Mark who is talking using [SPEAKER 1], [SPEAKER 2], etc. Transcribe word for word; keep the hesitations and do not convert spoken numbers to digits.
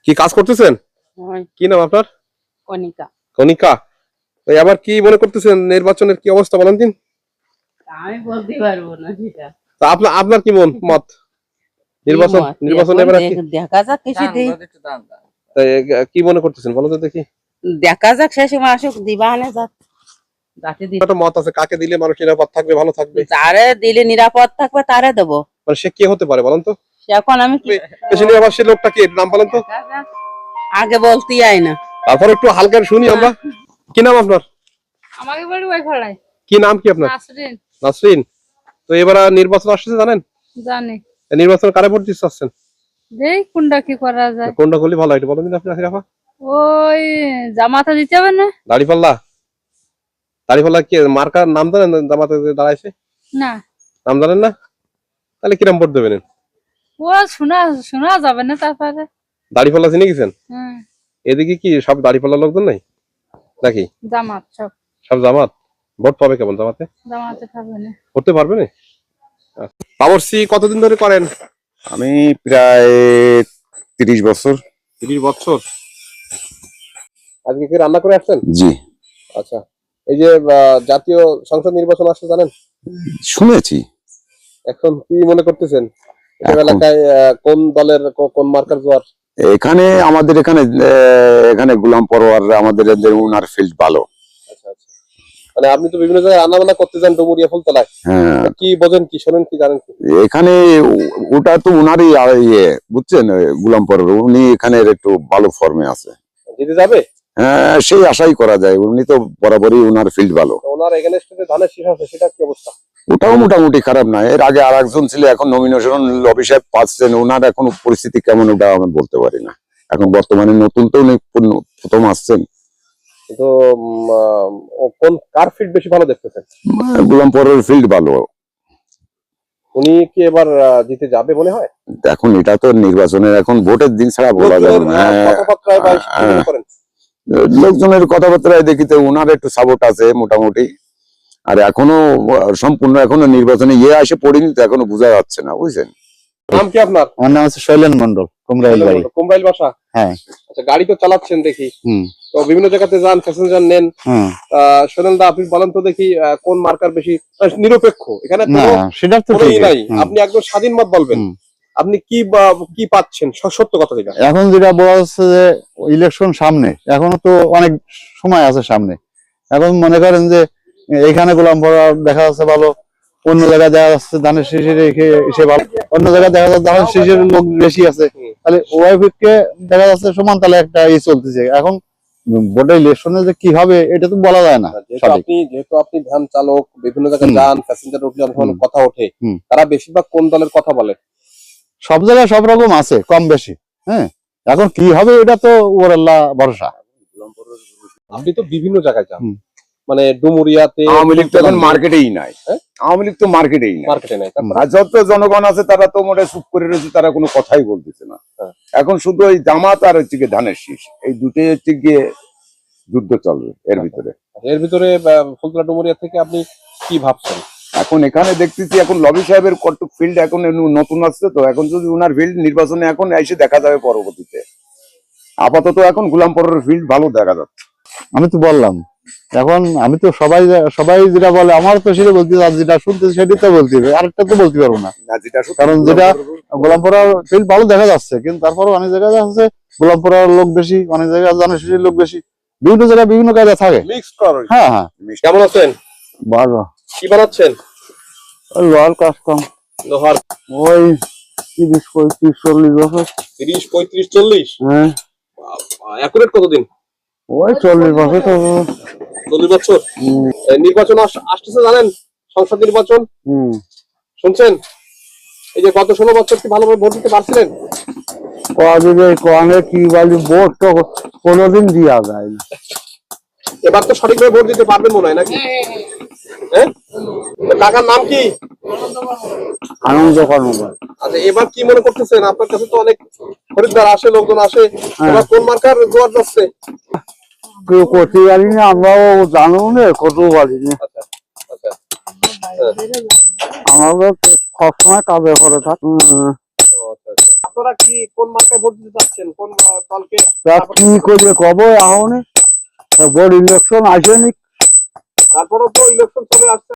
[SPEAKER 1] কি কাজ করতেছেন? কি নাম আপনার?
[SPEAKER 2] কণিকা।
[SPEAKER 1] কণিকা, তো এবার কি মনে করতেছেন নির্বাচনের কি অবস্থা বলেন দিন?
[SPEAKER 2] আমি বলতে পারবো না সেটা।
[SPEAKER 1] তা আপনার আপনার কি মন মত? নির্বাচন নির্বাচন এবার
[SPEAKER 2] দেখা যাক কিছু দিই।
[SPEAKER 1] কি মনে করতেছেন বলো তো দেখি।
[SPEAKER 2] দেখা যাক সেই সময় আসুক, দিবা আনে যাক। যাতে দিই
[SPEAKER 1] একটা মত আছে কাকে দিলে মানুষ নিরাপদ থাকবে, ভালো থাকবে।
[SPEAKER 2] তারে দিলে নিরাপদ থাকবে তারে দেবো।
[SPEAKER 1] মানে সে কি হতে পারে বলেন তো?
[SPEAKER 2] এখন আমি কি
[SPEAKER 1] বেশি নিরাপদ সে লোকটা কি, নাম বলেন তো?
[SPEAKER 2] আগে বলতেই আই না।
[SPEAKER 1] তারপর একটু হালকা শুনি আমরা। কি নাম আপনার?
[SPEAKER 3] আমাকে বলি ওই খড়াই।
[SPEAKER 1] কি নাম কি আপনার?
[SPEAKER 3] নাসরিন।
[SPEAKER 1] নাসরিন, তো এবার নির্বাচন আসছে জানেন?
[SPEAKER 3] জানি।
[SPEAKER 1] নির্বাচন কারে ভোট দিতে চাচ্ছেন?
[SPEAKER 3] দেই কোনটা কি করা যায়।
[SPEAKER 1] কোনটা করলে ভালো হয় বলেন দিন আপনি রাফা।
[SPEAKER 3] ওই জামাতে দিতে হবে না?
[SPEAKER 1] দাড়িপাল্লা। দাড়িপাল্লা কি মার্কার নাম জানেন জামাতে দাঁড়াইছে?
[SPEAKER 3] না।
[SPEAKER 1] নাম জানেন না? তাহলে কিরম ভোট দেবেন?
[SPEAKER 3] ও শোনা শোনা যাবে না তারপরে।
[SPEAKER 1] দাড়িপাল্লা চিনে গেছেন?
[SPEAKER 3] হ্যাঁ।
[SPEAKER 1] এদিকে কি সব দাড়িপাল্লা লোকজন নাই নাকি?
[SPEAKER 3] জামাত সব।
[SPEAKER 1] সব জামাত। ভোট পাবে কেমন জামাতে?
[SPEAKER 3] জামাতে পাবে না।
[SPEAKER 1] করতে পারবে না? বাবরসি কতদিন ধরে করেন?
[SPEAKER 4] আমি প্রায় তিরিশ বছর।
[SPEAKER 1] তিরিশ বছর। আজকে কি রান্না করে আসছেন?
[SPEAKER 4] জি।
[SPEAKER 1] আচ্ছা, এই যে জাতীয় সংসদ নির্বাচন আসছে জানেন?
[SPEAKER 4] শুনেছি।
[SPEAKER 1] এখন কি মনে করতেছেন এলাকায় কোন দলের কোন মার্কার জোয়ার?
[SPEAKER 4] এখানে আমাদের এখানে এখানে গোলাম পরোয়ার আমাদের উনার ফিল্ড ভালো।
[SPEAKER 1] আচ্ছা আচ্ছা, মানে আপনি তো বিভিন্ন জায়গায় রান্না বান্না করতে যান ডুমুরিয়া ফুলতলায়।
[SPEAKER 4] হ্যাঁ,
[SPEAKER 1] কি বোঝেন কি শোনেন কি জানেন কি?
[SPEAKER 4] এখানে ওটা তো উনারই ইয়ে বুঝছেন, গোলাম পরোয়ার উনি এখানে একটু ভালো ফর্মে আছে।
[SPEAKER 1] জিতে যাবে?
[SPEAKER 4] হ্যাঁ, সেই আশাই করা যায়। উনি তো বরাবরই উনার ফিল্ড ভালো।
[SPEAKER 1] ওনার এগেইনস্টে যে ধানের শীষ আছে সেটা কি অবস্থা?
[SPEAKER 4] ওটাও মোটামুটি খারাপ না। এর আগে আর একজন ছিল, এখন নমিনেশন লবি সাহেব পাচ্ছেন, ওনার এখন পরিস্থিতি কেমন ওটা আমি বলতে পারি না। এখন বর্তমানে নতুন তো উনি প্রথম আসছেন।
[SPEAKER 1] তো কোন কার ফিল্ড বেশি ভালো দেখতেছেন?
[SPEAKER 4] গোলাম পরোয়ার ফিল্ড ভালো।
[SPEAKER 1] উনি কি এবার জিতে যাবে মনে হয়?
[SPEAKER 4] এখন এটা তো নির্বাচনের এখন ভোটের দিন ছাড়া বলা যাবে না। লোকজনের কথাবার্তায় দেখিতে ওনার একটু সাপোর্ট আছে মোটামুটি। আর এখনো সম্পূর্ণ এখনো নির্বাচনে ইয়ে আসে পড়িনি তো, এখনো বোঝা যাচ্ছে না, বুঝছেন।
[SPEAKER 1] নাম কি আপনার?
[SPEAKER 5] আমার নাম হচ্ছে শৈলেন মন্ডল, কুমরাইল বাড়ি।
[SPEAKER 1] কুমরাইল বাসা?
[SPEAKER 5] হ্যাঁ।
[SPEAKER 1] আচ্ছা, গাড়ি তো চালাচ্ছেন দেখি।
[SPEAKER 5] হুম।
[SPEAKER 1] তো বিভিন্ন জায়গাতে যান, প্যাসেঞ্জার নেন।
[SPEAKER 5] হুম।
[SPEAKER 1] শৈলেন দা, আপনি বলেন তো দেখি কোন মার্কার বেশি নিরপেক্ষ? এখানে
[SPEAKER 5] না সেটা তো ঠিক
[SPEAKER 1] নাই, আপনি একদম স্বাধীন মত বলবেন। আপনি কি কি পাচ্ছেন সত্য কথা যেটা?
[SPEAKER 5] এখন যেটা বলা হচ্ছে যে ইলেকশন সামনে, এখনো তো অনেক সময় আছে সামনে। এখন মনে করেন যে এখানে গোলাম পরোয়ার দেখা যাচ্ছে ভালো, অন্য জায়গায় দেখা যাচ্ছে ধানের শীষের এসে ভালো, অন্য জায়গায় দেখা যাচ্ছে ধানের শীষের লোক বেশি আছে। তাহলে ওয়াইফকে দেখা যাচ্ছে সমান তাহলে একটা ই চলতেছে। এখন ভোটের ইলেকশনে যে কি হবে এটা তো বলা যায় না।
[SPEAKER 1] আপনি যেহেতু আপনি ভ্যান চালক, বিভিন্ন জায়গায় যান, প্যাসেঞ্জার উঠলে অনেক কথা ওঠে, তারা বেশিরভাগ কোন দলের কথা বলে?
[SPEAKER 5] সব জায়গায় সব রকম আছে, কম বেশি। হ্যাঁ, এখন কি হবে এটা তো ওর আল্লাহ ভরসা।
[SPEAKER 1] আপনি তো বিভিন্ন জায়গায় যান, মানে ডুমুরিয়াতে
[SPEAKER 4] আওয়ামী লীগ তো এখন মার্কেটেই নাই। আওয়ামী লীগ তো মার্কেটেই নাই,
[SPEAKER 1] মার্কেটে নাই।
[SPEAKER 4] যত জনগণ আছে তারা তো মোটে চুপ করে রয়েছে, তারা কোনো কথাই বলতেছে না। এখন শুধু ওই জামাত আর হচ্ছে গিয়ে ধানের শীষ, এই দুটোই হচ্ছে গিয়ে যুদ্ধ চলবে এর ভিতরে।
[SPEAKER 1] এর ভিতরে ফুলতলা ডুমুরিয়া থেকে আপনি কি ভাবছেন?
[SPEAKER 4] এখন এখানে দেখতেছি এখন লবি সাহেবের কটুক ফিল্ড এখন নতুন আসছে, তো এখন যদি উনার ফিল্ড নির্বাচনে এখন এসে দেখা যাবে পরবর্তীতে। আপাতত এখন গোলাম পরোয়ার ফিল্ড ভালো দেখা যাচ্ছে।
[SPEAKER 5] আমি তো বললাম, এখন আমি তো সবাই সবাই যেটা বলে আমার তো সেটা বলতে, আর যেটা শুনতেছি সেটাই তো বলতে হবে, আরেকটা তো বলতে পারবো না। কারণ যেটা গোলাম পরোয়ার ফিল্ড ভালো দেখা যাচ্ছে, কিন্তু তারপরে অনেক জায়গায় যাচ্ছে গোলাম পরোয়ার লোক বেশি, অনেক জায়গায় ধানের শীষের লোক বেশি, বিভিন্ন জায়গায় বিভিন্ন কাজে থাকে। হ্যাঁ হ্যাঁ।
[SPEAKER 1] কেমন আছেন?
[SPEAKER 5] ভালো।
[SPEAKER 1] কি বানাচ্ছেন?
[SPEAKER 5] লোহার কাস্টম।
[SPEAKER 1] লোহার
[SPEAKER 5] ওই তিরিশ পঁয়ত্রিশ চল্লিশ বছর।
[SPEAKER 1] তিরিশ পঁয়ত্রিশ চল্লিশ?
[SPEAKER 5] হ্যাঁ।
[SPEAKER 1] একুরেট কতদিন?
[SPEAKER 5] ওই চল্লিশ বছর। তো
[SPEAKER 1] চল্লিশ বছর। নির্বাচন আসতেছে জানেন, সংসদ নির্বাচন।
[SPEAKER 5] হম।
[SPEAKER 1] শুনছেন? এই যে গত ষোলো বছর কি ভালোভাবে ভোট দিতে পারছিলেন?
[SPEAKER 5] কি বলি, ভোট তো কোনোদিন দিয়া যায় না।
[SPEAKER 1] এবার তো সঠিকভাবে ভোট দিতে পারবেন মনে হয় নাকি? হ্যাঁ। কাকার নাম কি?
[SPEAKER 5] আনন্দ কর্মকার।
[SPEAKER 1] আচ্ছা, এবার কি মনে করতেছেন? আপনার কাছে তো অনেক খরিদ্দার আসে, লোকজন আসে, এবার কোন মার্কার জোয়ার যাচ্ছে?
[SPEAKER 5] কেউ করতে পারি না, আমরাও জানো না, করতেও পারি না।
[SPEAKER 1] আচ্ছা আচ্ছা,
[SPEAKER 5] আমরা সবসময় কাজে করে থাকি।
[SPEAKER 1] আপনারা কি কোন মার্কায় ভোট দিতে চাচ্ছেন, কোন আহ, দলকে?
[SPEAKER 5] কি করে কব এখন বড় ইলেকশন আসেনি
[SPEAKER 1] তারপরেও তো ইলেকশন চলে আসছে।